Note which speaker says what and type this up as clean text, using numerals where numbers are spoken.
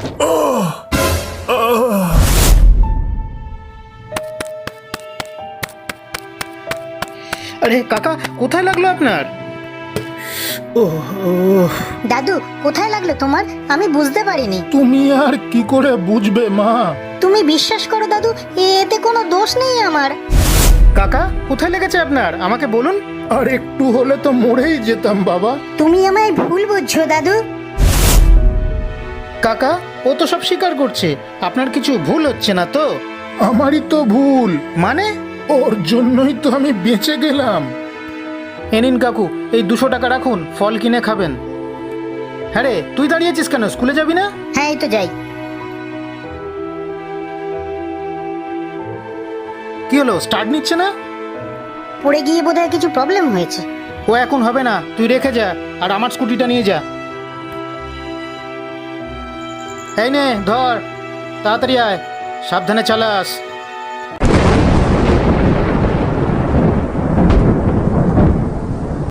Speaker 1: আরে কাকা, কোথায় লাগলো আপনার?
Speaker 2: দাদু, কোথায় লাগলো তোমার? আমি বুঝতে পারিনি।
Speaker 3: তুমি আর কি করে বুঝবে মা?
Speaker 2: তুমি বিশ্বাস করো দাদু, এতে কোনো দোষ নেই আমার।
Speaker 1: কাকা, কোথায় লেগেছে আপনার? আমাকে বলুন।
Speaker 3: আর একটু হলে তো মরেই যেতাম বাবা।
Speaker 2: তুমি আমায় ভুল বুঝছো দাদু।
Speaker 1: কাকা, ও তো সব স্বীকার করছে। আপনার কিছু ভুল হচ্ছে না তো?
Speaker 3: আমারই তো ভুল,
Speaker 1: মানে?
Speaker 3: ওর জন্যই তো আমি বেঁচে গেলাম।
Speaker 1: এ নিন কাকু, এই 200 টাকা রাখুন, ফল কিনে খাবেন। হ্যাঁ রে, তুই দাঁড়িয়েছিস কেন? স্কুলে যাবি না?
Speaker 2: হ্যাঁ, এই তো যাই।
Speaker 1: কি হলো, স্টার্ট নিচ্ছে না?
Speaker 2: পড়ে গিয়ে বোধহয় কিছু প্রবলেম হয়েছে।
Speaker 1: ও এখন হবে না, তুই রেখে যা, আর আমার স্কুটিটা নিয়ে যা। এই নে ধর, তাড়াতাড়ি আয়, সাবধানে চালাস।